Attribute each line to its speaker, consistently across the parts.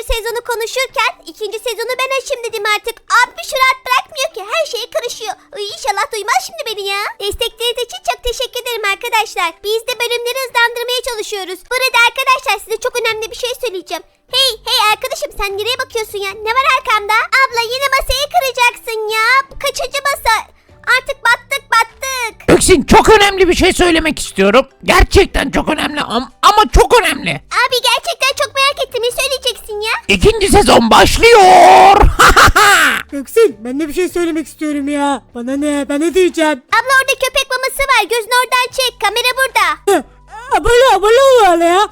Speaker 1: sezonu konuşurken ikinci sezonu ben açayım dedim artık. Abi şu rahat bırakmıyor ki, her şeye karışıyor. İnşallah duymaz şimdi beni ya. Destekleriniz için çok teşekkür ederim arkadaşlar. Biz de bölümleri hızlandırmaya çalışıyoruz. Burada arkadaşlar size çok önemli bir şey söyleyeceğim. Hey arkadaşım, sen nereye bakıyorsun ya? Ne var arkamda? Abla yine masayı kıracaksın ya. Bu kaçıncı masa? Artık battık.
Speaker 2: Göksin, çok önemli bir şey söylemek istiyorum. Gerçekten çok önemli ama çok önemli.
Speaker 1: Abi gerçekten çok merak ettim. Ne söyleyeceksin ya?
Speaker 2: İkinci sezon başlıyor.
Speaker 3: Göksin, ben de bir şey söylemek istiyorum ya. Bana ne? Ben ne diyeceğim?
Speaker 1: Abla orada köpek maması var. Gözünü oradan çek. Kamera burada.
Speaker 3: Abone ol ya.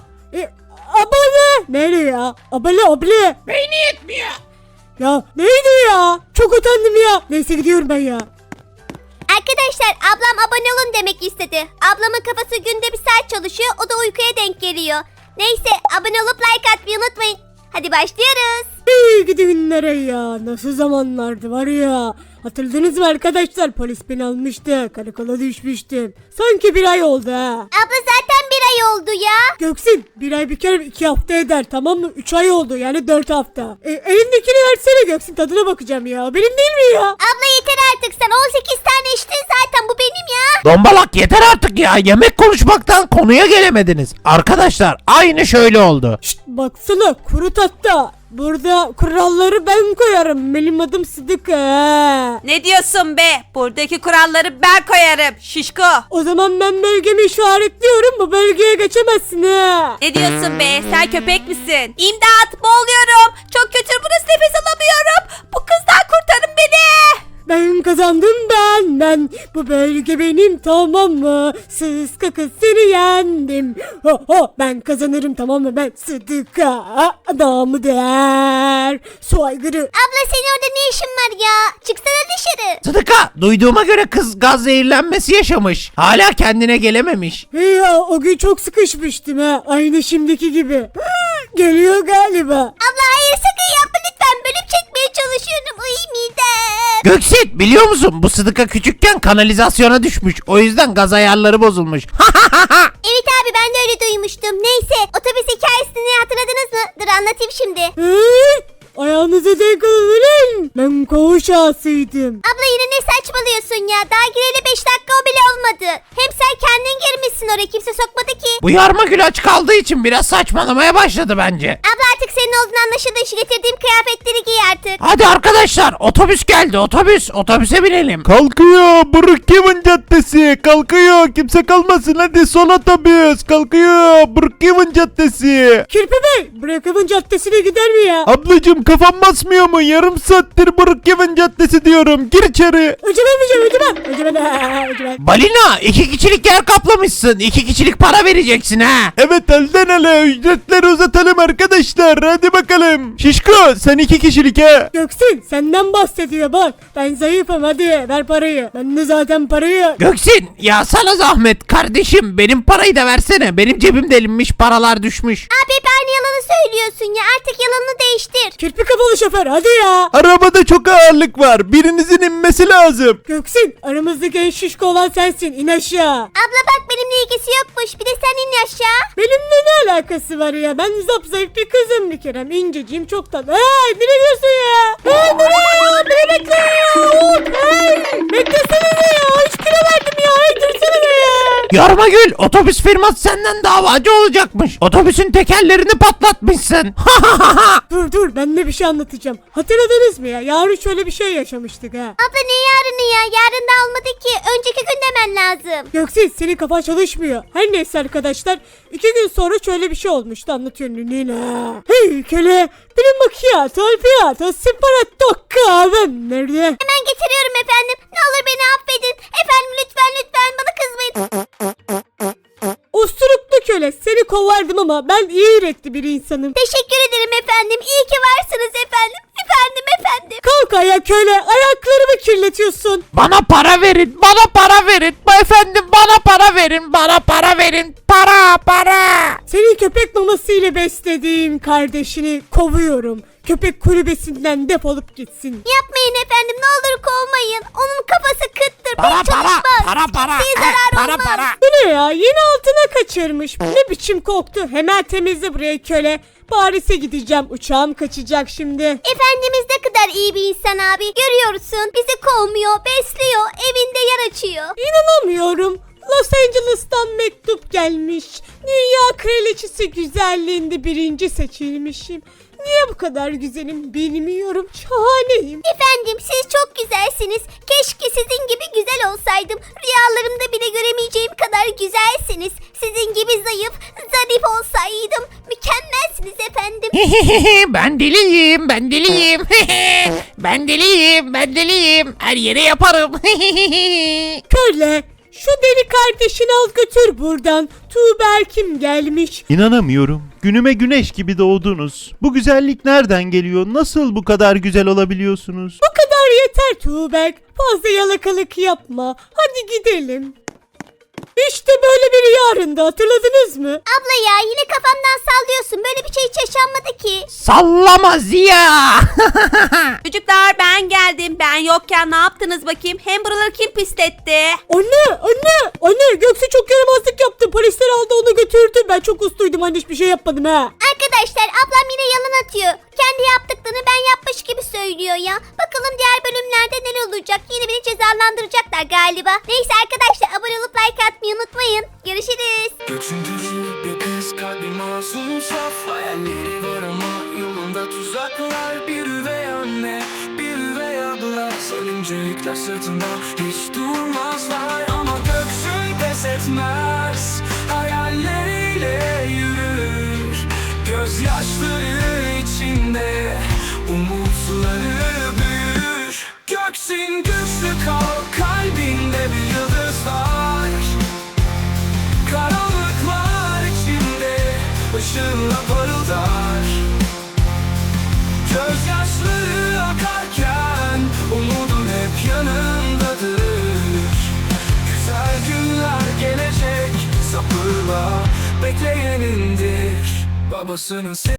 Speaker 3: Abone. Nereye ya? Abone.
Speaker 2: Beyni yetmiyor.
Speaker 3: Ya neydi ya? Çok utandım ya. Neyse gidiyorum ben ya.
Speaker 1: Arkadaşlar ablam abone olun demek istedi. Ablamın kafası günde bir saat çalışıyor. O da uykuya denk geliyor. Neyse, abone olup like atmayı unutmayın. Hadi başlıyoruz.
Speaker 3: İyi gidi günlere ya. Nasıl zamanlardı var ya. Hatırladınız mı arkadaşlar? Polis beni almıştı. Karakola düşmüştüm. Sanki bir ay oldu ha.
Speaker 1: Abla zaten bir ay oldu ya.
Speaker 3: Göksin, bir ay bir kere 2 hafta eder, tamam mı? 3 ay oldu, yani 4 hafta. Elindekini versene Göksin, tadına bakacağım ya. Benim değil mi ya?
Speaker 1: Abla yeter artık, sen 18 tane içtin zaten, bu benim ya.
Speaker 2: Dombalak, yeter artık ya. Yemek konuşmaktan konuya gelemediniz. Arkadaşlar aynı şöyle oldu.
Speaker 3: Şşt, baksana kuru tahta. Burada kuralları ben koyarım. Benim adım Sıdıka.
Speaker 4: Ne diyorsun be? Buradaki kuralları ben koyarım şişko.
Speaker 3: O zaman ben bölgemi işaretliyorum. Bu bölgeye geçemezsin ha.
Speaker 4: Ne diyorsun be? Sen köpek misin? İmdat, boğuluyorum. Çok kötü, burası, nefes alamıyorum. Bu kızdan kurtarın beni.
Speaker 3: Ben kazandım ben. Bu bölge benim, tamam mı? Sıska kız, seni yendim. Ben kazanırım, tamam mı? Ben Sıdıka. Adamı der. Su aygırı.
Speaker 1: Abla senin orada ne işin var ya? Çıksana dışarı.
Speaker 2: Sıdıka, duyduğuma göre kız gaz zehirlenmesi yaşamış. Hala kendine gelememiş.
Speaker 3: Ya o gün çok sıkışmıştım ha. Aynı şimdiki gibi. Geliyor galiba.
Speaker 1: Abla hayır, sakın yapma lütfen. Bölüm çekmeye çalışıyorum. Uy midem.
Speaker 2: Göksin, biliyor musun? Bu Sıdıka küçükken kanalizasyona düşmüş. O yüzden gaz ayarları bozulmuş.
Speaker 1: Evet abi, ben de öyle duymuştum. Neyse, otobüs hikayesini hatırladınız mı? Dur anlatayım şimdi.
Speaker 3: Ayağınızı denk alın. Ben koğuş ağasıydım.
Speaker 1: Abla yine ne saçmalıyorsun ya? Daha gireli 5 dakika o bile olmadı. Hem sen kendin girmişsin oraya, kimse sokmadı ki.
Speaker 2: Bu yarma gül aç kaldığı için biraz saçmalamaya başladı bence.
Speaker 1: Abla artık senin olduğunu anlaşıldı. Şu getirdiğim kıyafetleri giy artık.
Speaker 2: Hadi arkadaşlar, otobüs geldi, otobüse binelim.
Speaker 5: Kalkıyor Brookhaven Caddesi, kalkıyor, kimse kalmasın, hadi son otobüs kalkıyor Brookhaven Caddesi.
Speaker 3: Kirpi Bey, Brookhaven Caddesi'ne gider mi ya?
Speaker 5: Ablacım, kafam basmıyor mu? Yarım saattir Brookhaven Caddesi diyorum, gir içeri.
Speaker 3: Öcümen.
Speaker 2: Balina, 2 kişilik yer kaplamışsın. 2 kişilik para vereceksin ha.
Speaker 5: Evet, elden ele ücretleri uzatalım arkadaşlar, hadi bakalım. Şişko, sen 2 kişilik ha.
Speaker 3: Göksin, senden bahsediyor bak. Ben zayıfım, hadi ver parayı. Ben de zaten parayı.
Speaker 2: Göksin, ya sana zahmet kardeşim, benim parayı da versene. Benim cebim delinmiş, paralar düşmüş.
Speaker 1: Abi hep aynı yalanı söylüyorsun ya. Artık yalanını değiştir.
Speaker 3: Kirpi kafalı şoför, hadi ya.
Speaker 5: Arabada çok ağırlık var, birinizin inmesi lazım.
Speaker 3: Göksin, aramızdaki en şişko olan sensin. İn aşağı.
Speaker 1: Abla bak, benimle ilgisi yokmuş. Bir de sen in aşağı.
Speaker 3: Benimle ne alakası var ya? Ben zayıf bir kızım bir kere. İnceciyim, çok tatlı. Hey, nereye gidiyorsun ya? Hey, nereye ya? Beni bekle ya. Hey, beklesene ya. 3 kilo verdim ya. Hey, dursana ya.
Speaker 2: Yarma gül, otobüs firması senden davacı olacakmış. Otobüsün tekerlerini patlatmışsın.
Speaker 3: Dur, ben de bir şey anlatacağım. Hatırladınız mı ya? Yarın şöyle bir şey yaşamıştık ha.
Speaker 1: Abla ne yarını ya? Yarın da olmadı ki. Önceki gün demen lazım.
Speaker 3: Göksin, senin kafan çalışmıyor. Her neyse arkadaşlar, 2 gün sonra şöyle bir şey olmuştu, anlatıyorum Nina. Hey köle, benim macchiato, alpiato, separato kahve nerede?
Speaker 1: Hemen getiriyorum efendim. Ne olur beni affedin. Efendim lütfen bana kızmayın.
Speaker 3: Usturuplu köle, seni kovardım ama ben iyi yürekli bir insanım.
Speaker 1: Teşekkür ederim efendim. İyi ki varsınız efendim. Efendim.
Speaker 3: Kalk ayağa köle, ayaklarımı kirletiyorsun.
Speaker 2: Bana para verin, bana para verin. Efendim, bana para verin, bana para verin. Para.
Speaker 3: Senin köpek maması ile beslediğin kardeşini kovuyorum. Köpek kulübesinden defolup gitsin.
Speaker 1: Yapmayın efendim. Ne olur kovmayın. Onun kafası kıttır.
Speaker 2: Para,
Speaker 1: Pek çalışmaz.
Speaker 2: para.
Speaker 1: Kimseye zarar olmaz.
Speaker 3: Bu ne ya? Yine altına kaçırmış. Ne biçim koktu. Hemen temizle burayı köle. Paris'e gideceğim. Uçağım kaçacak şimdi.
Speaker 1: Efendimiz ne kadar iyi bir insan abi. Görüyorsun bizi kovmuyor, besliyor, evinde yer açıyor.
Speaker 3: İnanamıyorum. Los Angeles'tan mektup gelmiş. Dünya kraliçesi güzelliğinde 1. seçilmişim. Niye bu kadar güzelim bilmiyorum. Şahaneyim.
Speaker 1: Efendim siz çok güzelsiniz. Keşke sizin gibi güzel olsaydım. Rüyalarımda bile göremeyeceğim kadar güzelsiniz. Sizin gibi zayıf, zarif olsaydım. Mükemmelsiniz efendim.
Speaker 2: Ben deliyim, ben deliyim. Ben deliyim, ben deliyim. Her yere yaparım.
Speaker 3: Köle, şu deli kardeşini al götür buradan. Tuğberk'im gelmiş.
Speaker 5: İnanamıyorum. Günüme güneş gibi doğdunuz. Bu güzellik nereden geliyor? Nasıl bu kadar güzel olabiliyorsunuz?
Speaker 3: Bu kadar yeter Tuğberk. Fazla yalakalık yapma. Hadi gidelim. İşte böyle bir rüyarında hatırladınız mı?
Speaker 1: Abla ya yine kafamdan sallıyorsun. Böyle bir şey hiç yaşanmadı ki.
Speaker 2: Sallama Ziya.
Speaker 4: Çocuklar ben geldim. Ben yokken ne yaptınız bakayım? Hem buraları kim pisletti?
Speaker 3: Anne Göksu çok yaramazlık yaptı. Polisler aldı onu götürdü. Ben çok usluydum anne hiçbir şey yapmadım ha.
Speaker 1: Arkadaşlar ablam yine yalan atıyor. Kendi yaptıklarını ben yapmış gibi söylüyor ya. Bakalım diğer bölümlerde neler olacak. Yine beni cezalandıracaklar galiba. Neyse arkadaşlar abone olup like atmayı unutmayın. Görüşürüz.
Speaker 6: Göçündürür bir kız kalbi masum saf. Hayalleri var ama yolunda tuzaklar. Bir üvey anne, bir üvey abla. Sarıncıklar sırtında hiç durmazlar. Ama göksün pes etmez. Hayalleriyle yürür. Gözyaşları içinde umutları büyür. Göksin güçlü kal, kalbinde bir yıldız var. Karanlıklar içinde ışığınla parıldar. Gözyaşları akarken umudun hep yanındadır. Güzel günler gelecek, sabırla bekleyenindir. Babasının